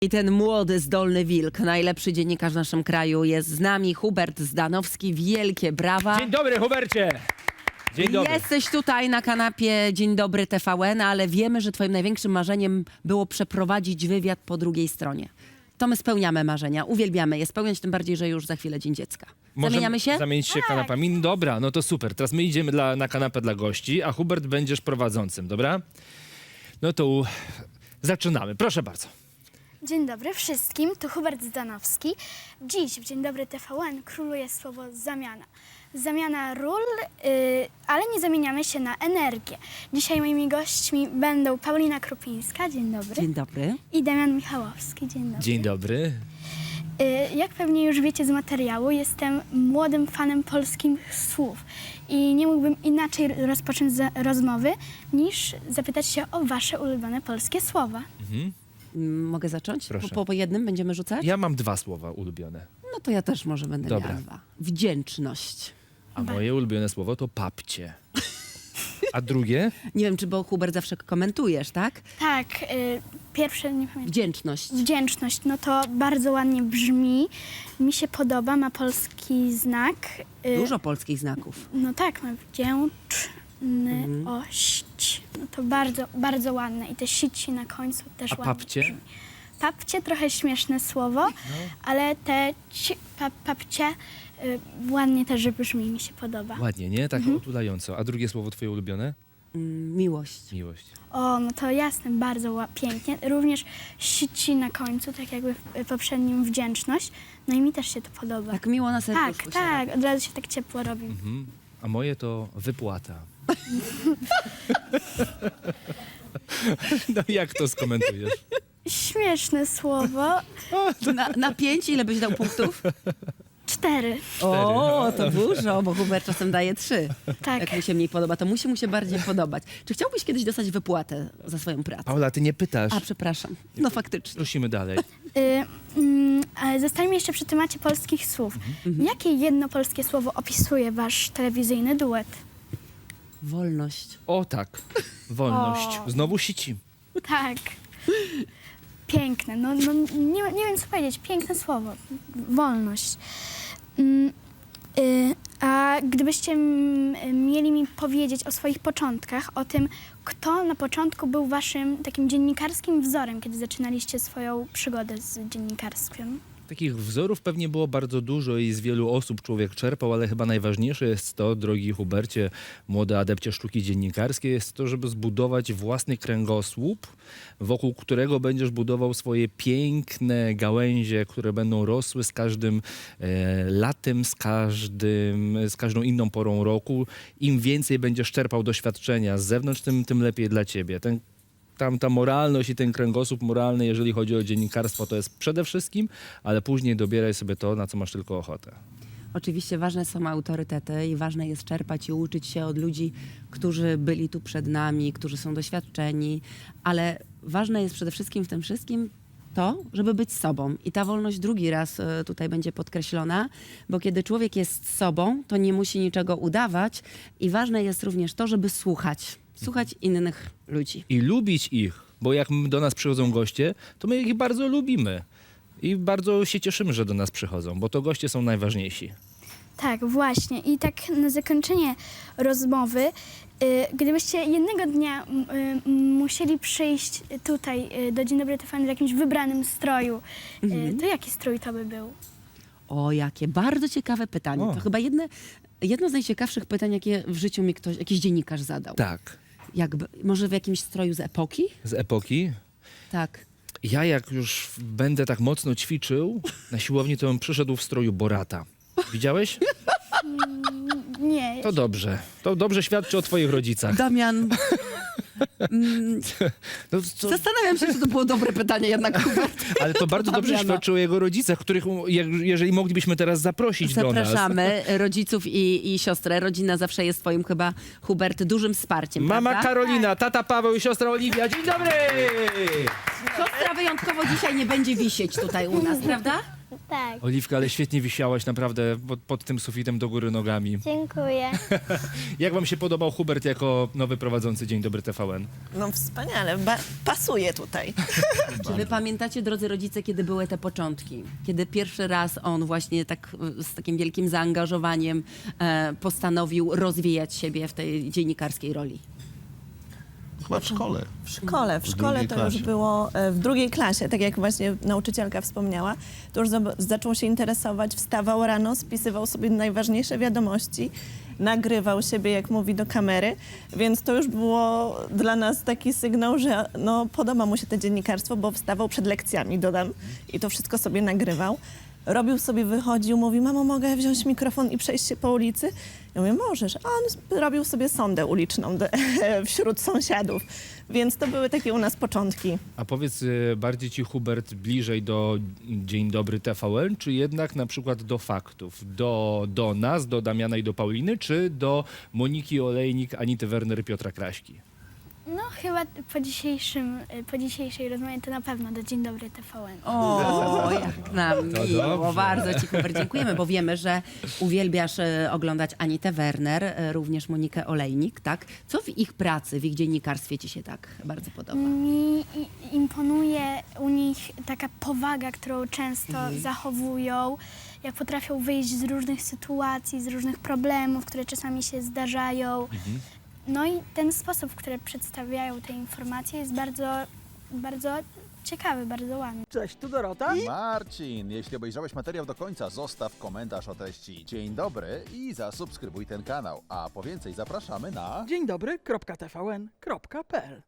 I ten młody, zdolny wilk, najlepszy dziennikarz w naszym kraju jest z nami, Hubert Zdanowski. Wielkie brawa. Dzień dobry, Hubercie! Dzień dobry. Jesteś tutaj na kanapie Dzień Dobry TVN, ale wiemy, że twoim największym marzeniem było przeprowadzić wywiad po drugiej stronie. To my spełniamy marzenia, uwielbiamy je spełniać, tym bardziej, że już za chwilę Dzień Dziecka. Zamieniamy się? Zamienić się kanapami. Dobra, no to super. Teraz my idziemy na kanapę dla gości, a Hubert będziesz prowadzącym, dobra? No to zaczynamy. Proszę bardzo. Dzień dobry wszystkim, tu Hubert Zdanowski. Dziś w Dzień Dobry TVN króluje słowo zamiana. Zamiana ról, ale nie zamieniamy się na energię. Dzisiaj moimi gośćmi będą Paulina Krupińska, dzień dobry, Dzień dobry. i Damian Michałowski, dzień dobry. Dzień dobry. Jak pewnie już wiecie z materiału, jestem młodym fanem polskich słów i nie mógłbym inaczej rozpocząć rozmowy niż zapytać się o wasze ulubione polskie słowa. Mogę zacząć? Proszę. Po jednym będziemy rzucać? Ja mam 2 słowa ulubione. No to ja też może będę Dobra. miała 2. Wdzięczność. A moje ulubione słowo to papcie. A drugie? Nie wiem, czy bo Hubert zawsze komentujesz, tak? Tak, pierwsze nie pamiętam. Wdzięczność. Wdzięczność, no to bardzo ładnie brzmi, mi się podoba, ma polski znak. Dużo polskich znaków. No tak, ma wdzięczność. No to bardzo, bardzo ładne i te sici na końcu też A ładnie papcie? brzmi. Papcie, trochę śmieszne słowo, ale te papcie ładnie też brzmi, mi się podoba. Ładnie, nie? Tak otulająco. A drugie słowo twoje ulubione? Miłość. Miłość. O, no to jasne, bardzo pięknie. Również sici na końcu, tak jakby w poprzednim wdzięczność. No i mi też się to podoba. Tak miło na serduszku Tak, się tak, od razu się tak ciepło robi. A moje to wypłata. No jak to skomentujesz? Śmieszne słowo. Na 5 ile byś dał punktów? 4. O, to dużo, bo Hubert czasem daje 3. Tak. Jak mu się mniej podoba, to musi mu się bardziej podobać. Czy chciałbyś kiedyś dostać wypłatę za swoją pracę? Paula, ty nie pytasz. A, przepraszam. No faktycznie. Prosimy dalej. Ale zostańmy jeszcze przy temacie polskich słów. Jakie jedno polskie słowo opisuje wasz telewizyjny duet? Wolność. O tak, wolność. Znowu sici. Tak. Piękne. No, nie wiem, co powiedzieć. Piękne słowo. Wolność. A gdybyście mieli mi powiedzieć o swoich początkach, o tym, kto na początku był waszym takim dziennikarskim wzorem, kiedy zaczynaliście swoją przygodę z dziennikarstwem? Takich wzorów pewnie było bardzo dużo i z wielu osób człowiek czerpał, ale chyba najważniejsze jest to, drogi Hubercie, młody adepcie sztuki dziennikarskiej, jest to, żeby zbudować własny kręgosłup, wokół którego będziesz budował swoje piękne gałęzie, które będą rosły z każdym latem, z każdą inną porą roku. Im więcej będziesz czerpał doświadczenia z zewnątrz, tym lepiej dla ciebie. Ta moralność i ten kręgosłup moralny, jeżeli chodzi o dziennikarstwo, to jest przede wszystkim, ale później dobieraj sobie to, na co masz tylko ochotę. Oczywiście ważne są autorytety i ważne jest czerpać i uczyć się od ludzi, którzy byli tu przed nami, którzy są doświadczeni, ale ważne jest przede wszystkim w tym wszystkim to, żeby być sobą. I ta wolność drugi raz tutaj będzie podkreślona, bo kiedy człowiek jest sobą, to nie musi niczego udawać i ważne jest również to, żeby słuchać innych ludzi. I lubić ich, bo jak do nas przychodzą goście, to my ich bardzo lubimy. I bardzo się cieszymy, że do nas przychodzą, bo to goście są najważniejsi. Tak, właśnie. I tak na zakończenie rozmowy, gdybyście jednego dnia musieli przyjść tutaj do Dzień Dobry TVN w jakimś wybranym stroju, to jaki strój to by był? O, jakie bardzo ciekawe pytanie. O. To chyba jedno z najciekawszych pytań, jakie w życiu mi jakiś dziennikarz zadał. Tak. Może w jakimś stroju z epoki? Z epoki. Tak. Ja jak już będę tak mocno ćwiczył na siłowni, to bym przyszedł w stroju Borata. Widziałeś? Nie. To dobrze. To dobrze świadczy o twoich rodzicach. Damian, No, zastanawiam się, czy to było dobre pytanie jednak, Hubert. ale to bardzo dobrze Damiana. świadczy o jego rodzicach, których, jeżeli moglibyśmy teraz zaprosić do nas. Zapraszamy rodziców i siostrę. Rodzina zawsze jest twoim chyba, Hubert, dużym wsparciem, Mama prawda? Karolina, tata Paweł i siostra Oliwia. Dzień dobry! Siostra wyjątkowo dzisiaj nie będzie wisieć tutaj u nas, prawda? Tak, Oliwka, ale świetnie wisiałaś naprawdę pod tym sufitem do góry nogami. dziękuję. Jak wam się podobał Hubert jako nowy prowadzący Dzień Dobry TVN? No wspaniale, pasuje tutaj. Czy wy pamiętacie, drodzy rodzice, kiedy były te początki? Kiedy pierwszy raz on właśnie tak z takim wielkim zaangażowaniem postanowił rozwijać siebie w tej dziennikarskiej roli? Chyba w szkole. W szkole drugiej to klasie. już było w drugiej klasie, tak jak właśnie nauczycielka wspomniała, to już zaczął się interesować, wstawał rano, spisywał sobie najważniejsze wiadomości, nagrywał siebie, jak mówi, do kamery, więc to już było dla nas taki sygnał, że no, podoba mu się to dziennikarstwo, bo wstawał przed lekcjami, dodam, i to wszystko sobie nagrywał. Robił sobie, wychodził, mówi, mamo, mogę wziąć mikrofon i przejść się po ulicy? Ja mówię, możesz. A on robił sobie sondę uliczną wśród sąsiadów, więc to były takie u nas początki. A powiedz, bardziej ci Hubert bliżej do Dzień Dobry TVN, czy jednak na przykład do faktów? Do nas, do Damiana i do Pauliny, czy do Moniki Olejnik, Anity Werner i Piotra Kraśki? No chyba po dzisiejszej rozmowie to na pewno do Dzień Dobry TVN. O, jak nam To miło. dobrze. Bardzo ci, Hubert, dziękujemy, bo wiemy, że uwielbiasz oglądać Anitę Werner, również Monikę Olejnik, tak? Co w ich pracy, w ich dziennikarstwie ci się tak bardzo podoba? Imponuje u nich taka powaga, którą często zachowują, jak potrafią wyjść z różnych sytuacji, z różnych problemów, które czasami się zdarzają. No i ten sposób, w który przedstawiają te informacje, jest bardzo, bardzo ciekawy, bardzo ładny. Cześć, tu Dorota. Marcin, jeśli obejrzałeś materiał do końca, zostaw komentarz o treści Dzień dobry i zasubskrybuj ten kanał. A po więcej zapraszamy na... Dzień dobry, .tvn.pl